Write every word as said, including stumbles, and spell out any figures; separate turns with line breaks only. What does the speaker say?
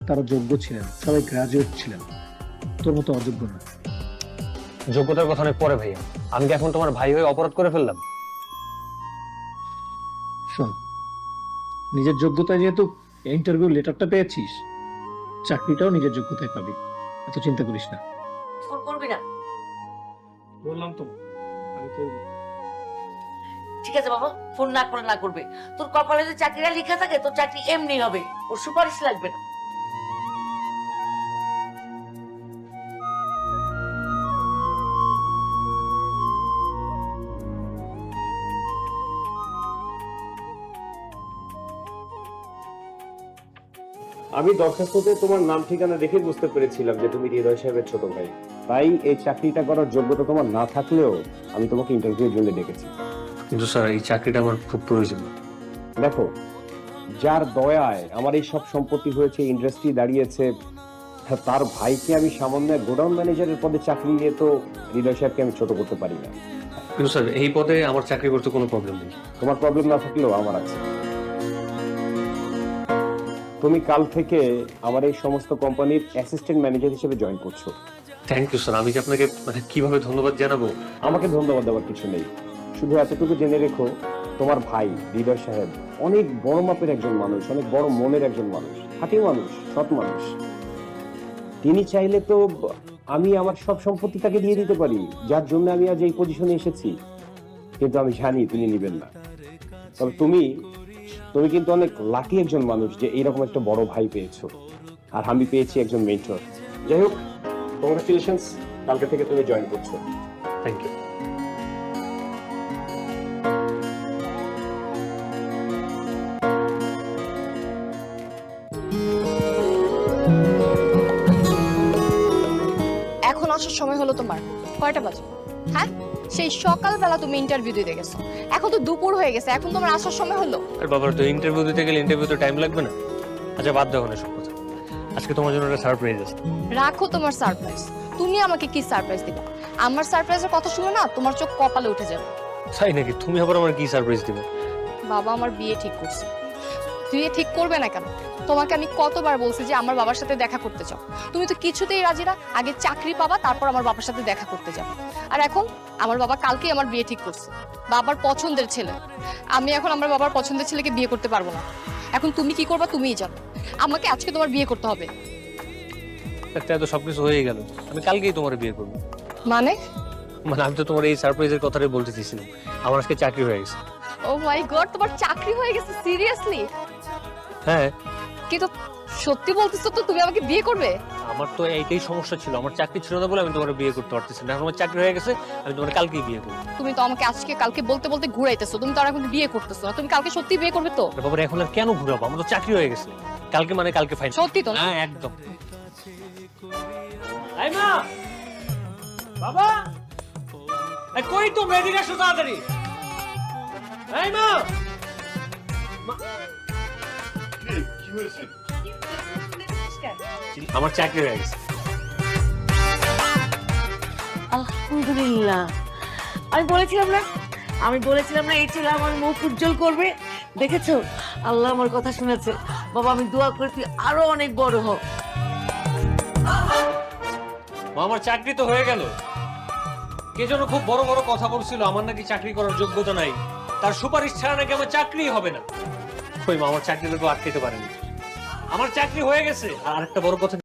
তারা যোগ্য ছিলেন, সবাই গ্রাজুয়েট ছিলেন, তোর মতো অযোগ্য না।
যোগ্যতার কথা অনেক পরে ভাইয়া, আমি কি এখন তোমার ভাই হয়ে অপরাধ করে ফেললাম?
শোন, নিজের যোগ্যতায় যেহেতু ইন্টারভিউ লেটারটা পেয়েছিস, চাকরিটাও নিজের যোগ্যতায় পাবি, এত চিন্তা করিস না।
ফোন করবি না?
বললাম তো আমি করব।
ঠিক আছে বাবা, ফোন না করে না করবে। তোর কপালে যদি চাকরিটা লেখা থাকে তোর চাকরি এমনি হবে, ওর সুপারিশ লাগবে না।
আমি দরখাস্ততে তোমার নাম ঠিকানা দেখে বুঝতে পেরেছিলাম যে তুমি হৃদয় সাহেবের ছোট ভাই। তাই এই চাকরিটা করার যোগ্যতা তোমার না থাকলেও আমি তোমাকে ইন্টারভিউর জন্য ডেকেছি।
কিন্তু স্যার এই চাকরিটা আমার খুব প্রয়োজন।
দেখো, যার দয়ায় আমার এই সব সম্পত্তি হয়েছে, ইন্ডাস্ট্রি দাঁড়িয়েছে, তার ভাইকে আমি সামান্য গোডাউন ম্যানেজারের পদে চাকরি নিয়ে তো হৃদয় সাহেবকে আমি ছোট করতে পারি না।
কিন্তু স্যার এই পদে আমার চাকরি করতে কোনো প্রবলেম নেই।
তোমার প্রবলেম না থাকলেও আমার আছে। তুমি কাল থেকে আমার এই সমস্ত কোম্পানির অ্যাসিস্ট্যান্ট ম্যানেজার হিসেবে জয়েন করছো।
Thank you sir. আমি যে আপনাকে মানে কিভাবে ধন্যবাদ জানাবো?
আমাকে ধন্যবাদ দেওয়ার কিছু নেই, শুধু এতটুকু জেনে রেখো তোমার ভাই হৃদয় সাহেব অনেক বড় মাপের একজন মানুষ, অনেক বড় মনের একজন মানুষ, খাঁটি মানুষ, সৎ মানুষ। তিনি চাইলে তো আমি আমার সব সম্পত্তি তাকে দিয়ে দিতে পারি, যার জন্য আমি আজ এই পজিশনে এসেছি, কিন্তু আমি জানি তিনি নিবেন না। তবে তুমি তুমি কিন্তু অনেক লাকি একজন মানুষ যে এইরকম একটা বড় ভাই পেয়েছো, আর আমি পেয়েছি একজন মেন্টর। যাই হোক, কংগ্রাচুলেশনস, কালকে থেকে তুমি জয়েন করছো।
Thank you.
এখন আসার সময় হলো তোমার? কয়টা বাজে? হ্যাঁ, সেই সকালবেলা তুমি ইন্টারভিউ দিতে গেছো, এখন তো দুপুর হয়ে গেছে, এখন তোমার আসার সময় হলো?
আর বাবার তো ইন্টারভিউ দিতে গেলে ইন্টারভিউতে টাইম লাগবে না? আচ্ছা বাদ দাও না সব কথা, আজকে তোমার জন্য একটা সারপ্রাইজ আছে।
রাখো তোমার সারপ্রাইজ, তুমি আমাকে কি সারপ্রাইজ দিবা? আমার সারপ্রাইজের কথা শুনে না তোমার চোখ কপালে উঠে যাবে।
তাই নাকি? তুমি আবার আমার কি সারপ্রাইজ দিবে?
বাবা আমার বিয়ে ঠিক করছে। বিয়ে ঠিক করবে না কেন? তোমাকে আমি কতবার বলছি যে আমার বাবার সাথে দেখা করতে চাও, তুমি তো কিছুতেই রাজি না। আগে চাকরি পাবা, তারপর আমার বাবার সাথে দেখা করতে যাবো। আর এখন আমার বাবা কালকেই আমার বিয়ে ঠিক করছে, বাবার পছন্দের ছেলে। আমি এখন আমার বাবার পছন্দের ছেলেকে বিয়ে করতে পারবো না। এখন তুমি কি করবা তুমিই জানো, আমাকে আজকে তোমার বিয়ে করতে হবে।
একটা তো সবকিছু হয়ে গেল, আমি কালকেই তোমার বিয়ে করবো।
মানে?
মানে আমি তো তোমার এই সারপ্রাইজের কথাটাই বলতে চেয়েছিলাম, আমার আজকে চাকরি হয়ে গেছে।
ও মাই গড, তোমার চাকরি হয়ে গেছে? সিরিয়াসলি?
হ্যাঁ।
কিন্তু সত্যি বলতেছো তো তুমি আমাকে বিয়ে করবে?
আমার তো এইটাই সমস্যা ছিল, আমার চাকরি ছিল না বলে আমি তোমার বিয়ে করতে পারতেছি না। এখন আমার চাকরি হয়ে গেছে, আমি তোমার কালকেই বিয়ে করবো।
তুমি তো আমাকে আজকে কালকে বলতে বলতে ঘুরাইতেছো, তুমি তো আর এখন বিয়ে করতেছো না। তুমি কালকে সত্যি বিয়ে করবে তো?
বাবা এখন আর কেন ঘুরাবো, আমার তো চাকরি হয়ে গেছে। কালকে মানে কালকে ফাইনাল।
সত্যি তো?
হ্যাঁ একদম। এই মা, বাবা, এই কই তুমি? এদিকে আসো তাড়াতাড়ি। এই মা,
কি হয়েছে?
আমার চাকরি হয়ে গেছে।
আলহামদুলিল্লাহ। আমি বলেছিলাম না, আমি বলেছিলাম না এই ছেলে আমার মুখ উজ্জ্বল করবে। দেখেছো, আল্লাহ আমার কথা শুনেছে। বাবা আমি দোয়া করি তুই আরো অনেক বড় হ।
মা আমার চাকরি তো হয়ে গেল। কে যেন খুব বড় বড় কথা বলছিল আমার নাকি চাকরি করার যোগ্যতা নাই, তার সুপারিশ ছাড়া নাকি আমার চাকরি হবে না। কই মা, আমার চাকরি লোক আটকাইতে পারেনি। আমার চাকরি হয়ে গেছে। আর আরেকটা বড় কথা